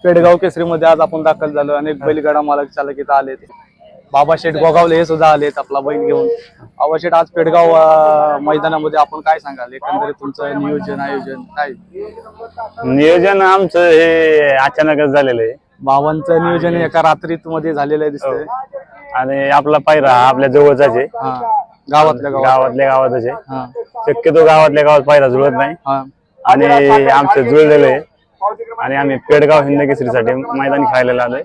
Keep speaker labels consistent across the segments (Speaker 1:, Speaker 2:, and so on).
Speaker 1: पेडगाव केसरीमध्ये आज आपण दाखल झालो. अनेक बैलगाडा मालक चालक इथं आलेत. बाबा शेठ गोगावले हे सुद्धा आलेत आपला बैल घेऊन. बाबा शेठ, आज पेडगाव मैदानामध्ये आपण काय सांगाल, एकंदरीत तुमचं नियोजन आयोजन काय?
Speaker 2: नियोजन आमचं हे अचानकच झालेलं आहे.
Speaker 1: बाबांचं नियोजन एका रात्रीत मध्ये झालेलं आहे दिसतंय.
Speaker 2: आणि आपला पायरा आपल्या जवळचाच आहे.
Speaker 1: गावातल्या
Speaker 2: गावातच आहे. शक्यतो गावातल्या गावात पायरा जुळत नाही आणि आमचं जुळलेलं आहे. आणि आम्ही पेडगाव हिंद केसरीसाठी मैदान खेळायला आलोय.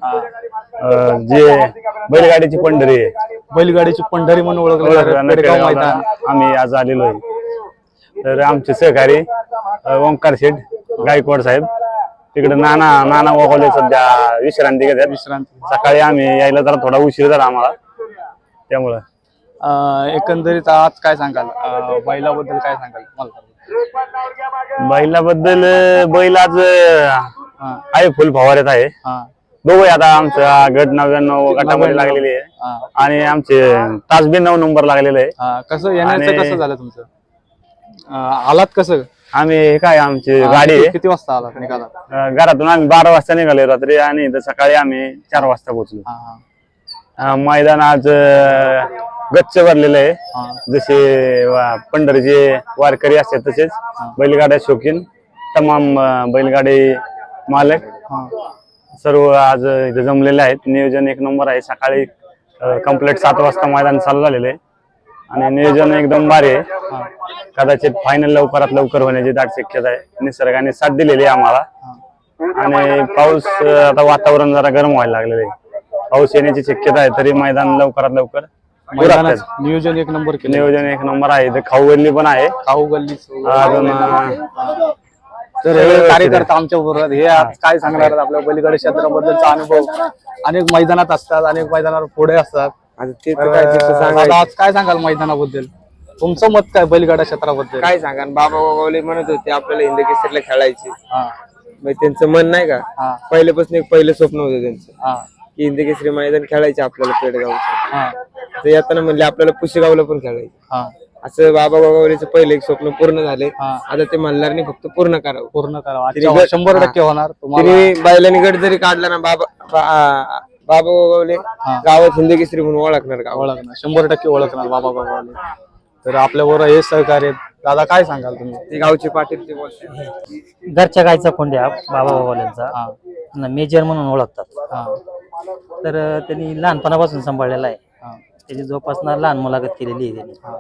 Speaker 2: जे बैलगाडीची पंढरी आहे,
Speaker 1: बैलगाडीची पंढरी म्हणून ओळखलं पेडगाव मैदान
Speaker 2: आम्ही आज आलेलो आहे. तर आमचे सहकारी ओंकार शेठ गायकवाड साहेब तिकडे नाना गोगावले सध्या विश्रांती घेतात. सकाळी आम्ही यायला जरा थोडा उशीर झाला आम्हाला, त्यामुळं
Speaker 1: एकंदरीत आज काय सांगाल बैलाबद्दल, काय सांगाल मला?
Speaker 2: बैलाबद्दल बैल आज आहे फुल फवाऱ्यात आहे. बघूया आता आमचा गट 99 गटामध्ये लागलेली आहे आणि आमचे तास बी 9 नंबर लागलेले आहे.
Speaker 1: कसं येण्याचं कसं झालं तुमचं? आलात कसं?
Speaker 2: आम्ही काय आमची गाडी
Speaker 1: किती वाजता आलात निघाला?
Speaker 2: घरातून आम्ही 12 वाजता निघालो रात्री आणि सकाळी आम्ही 4 वाजता पोहोचलो. मैदान आज गच्च भरलेलं आहे. जसे पंढरीचे वारकरी असतात तसेच बैलगाड्या शौकीन तमाम बैलगाडी मालक सर्व आज इथे जमलेले आहेत. नियोजन एक नंबर आहे. सकाळी कंप्लीट 7 वाजता मैदान चालू झालेलं आहे आणि नियोजन एकदम भारी आहे. कदाचित फायनल लवकरात लवकर होण्याची दाट शक्यता आहे. निसर्गाने साथ दिलेली आहे आम्हाला आणि पाऊस आता वातावरण जरा गरम व्हायला लागलेलं आहे. पाऊस येण्याची शक्यता आहे, तरी मैदान लवकरात लवकर
Speaker 1: नियोजन एक नंबर केलं.
Speaker 2: नियोजन एक नंबर आहे. इथे खाऊ गल्ली पण आहे.
Speaker 1: खाऊ गल्ली
Speaker 2: अजून
Speaker 1: तर कार्यकर्ता आमच्या बरोबर हे काय सांगणार आपल्या बैलगाडी क्षेत्राबद्दलचा अनुभव? अनेक मैदानात असतात, अनेक मैदानावर पुढे असतात. आज काय सांगाल मैदानाबद्दल? तुमचं मत काय बैलगाडा क्षेत्राबद्दल?
Speaker 3: काय सांगा, बाबा गोगावले म्हणत होते आपल्याला हिंद केसरीला खेळायचे. त्यांचं मन नाही का, पहिल्यापासून एक पहिलं स्वप्न होतं त्यांचं की हिंद केसरी मैदान खेळायचे आपल्याला पेडगावचं. तर येताना म्हणले आपल्याला पुशेगावला पण खेळायचं. असं बाबा गोगावलेचं पहिलं एक स्वप्न पूर्ण झाले. आता ते मल्हारने फक्त पूर्ण करावं.
Speaker 1: 100% होणार.
Speaker 3: तुम्ही बैलांनी गट जरी काढला ना, बाबा गोगावले गावात हिंद केसरी म्हणून ओळखणार.
Speaker 1: 100% ओळखणार बाबा गोगावले. तर आपल्या बरोबर हे सहकार्य. दादा, काय सांगाल तुम्ही?
Speaker 3: ते गावचे पाटील ते बोलतात.
Speaker 4: घरच्या गायचा कोंड्या बाबा गोगावलेंचा मेजर म्हणून ओळखतात. तर त्यांनी लहानपणापासून सांभाळलेला आहे. त्याची जोपासना लहान मुलाखत केलेली आहे त्यांनी.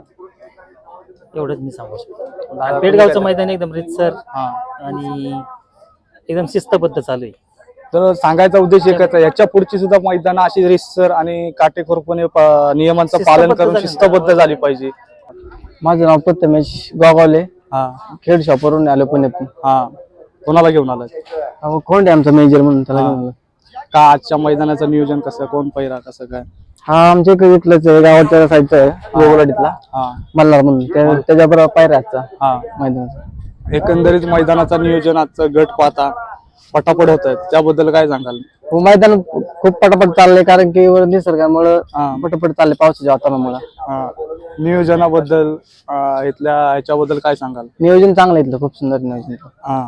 Speaker 4: एवढंच मी सांगू शकतो. पेडगावचं मैदान एकदम रितसर आणि एकदम शिस्तबद्ध चालू आहे.
Speaker 1: तर सांगायचा उद्देश एकच आहे, याच्या पुढची सुद्धा मैदान अशी रितसर आणि काटेकोरपणे नियमांचं पालन करून शिस्तबद्ध झाली पाहिजे.
Speaker 5: माझं नाव प्रथमेश गोगावले, खेड शॉपवरून आलो पुण्यातून.
Speaker 1: कोणाला घेऊन आलाय?
Speaker 5: कोण आहे आमचा मेजर म्हणून त्याला घेऊन.
Speaker 1: का आजच्या मैदानाचं नियोजन कसं, कोण पैरा कसं काय?
Speaker 5: आमच्या इकडे इथलंच आहे, गावाच्या साईडचा आहे, गोगलाडीतला मल्हार म्हणून. त्याच्याबरोबर पायऱ्याचा मैदानाचा.
Speaker 1: एकंदरीत मैदानाचं नियोजन आजचं गट पाहता पटापट होत आहेत, त्याबद्दल काय सांगाल?
Speaker 5: मैदान खूप पटापट चाललंय, कारण की निसर्गामुळे पटापट चाललंय, पावसाच्या वातावरणामुळे.
Speaker 1: नियोजनाबद्दल इथल्या ह्याच्याबद्दल काय सांगाल?
Speaker 5: नियोजन चांगलं इथलं, खूप सुंदर नियोजन.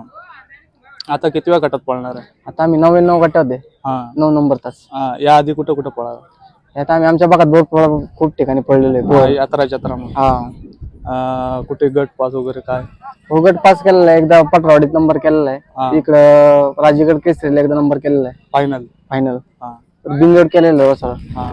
Speaker 1: आता किती वेळा गटात पळणार आहे?
Speaker 5: आता आम्ही 99 गटात आहे, 9 नंबर तास.
Speaker 1: या आधी कुठं कुठं पळावं?
Speaker 5: आता आम्ही आमच्या भागात खूप ठिकाणी पडलेलो आहे.
Speaker 1: यात्रा कुठे गट पास वगैरे काय?
Speaker 5: हो, गट पास केलेला आहे. एकदा पटवाडीत नंबर केलेला आहे. इकडं राजगड केसरीला एकदा नंबर केलेला आहे. फायनल बिनजोड केलेलं आहे सगळं.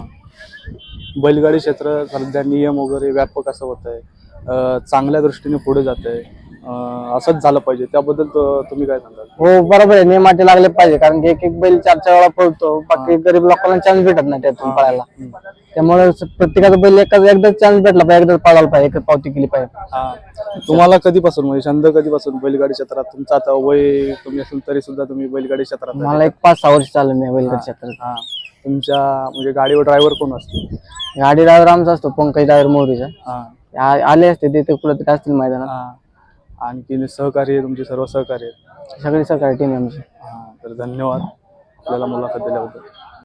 Speaker 1: बैलगाडी क्षेत्र सध्या नियम वगैरे व्यापक असं होत आहे, चांगल्या दृष्टीने पुढे जात आहे. असंच झालं पाहिजे, त्याबद्दल तुम्ही काय सांगाल?
Speaker 5: हो, बरोबर आहे. नियमाचे लागले पाहिजे, कारण की एक बैल 4 वेळा पळतो, बाकी गरीब लोकांना चान्स भेटत नाही त्यातून पळायला. त्यामुळे प्रत्येकाचा बैल एकदा चान्स भेटला पाहिजे, एकदा पळायला पाहिजे, एक पावती केली पाहिजे.
Speaker 1: तुम्हाला कधीपासून म्हणजे छंद कधीपासून बैलगाडी क्षेत्रात? तुमचा आता वय कमी असेल तरी सुद्धा तुम्ही बैलगाडी क्षेत्रात?
Speaker 5: मला 5-6 वर्ष चालू मी बैलगाडी क्षेत्रात.
Speaker 1: तुमच्या म्हणजे गाडीवर ड्रायव्हर कोण असतो?
Speaker 5: गाडी ड्रायव्हर आमचा असतो, पंकज ड्रायव्हर मोरीचा. आले असते ते कुठं तरी असतील मैदानात.
Speaker 1: आणखी सहकार्य, तुमचे सर्व सहकार्य?
Speaker 5: सगळी सहकार्य टीम आमची.
Speaker 1: तर धन्यवाद आपल्याला मुलाखत दिल्याबद्दल.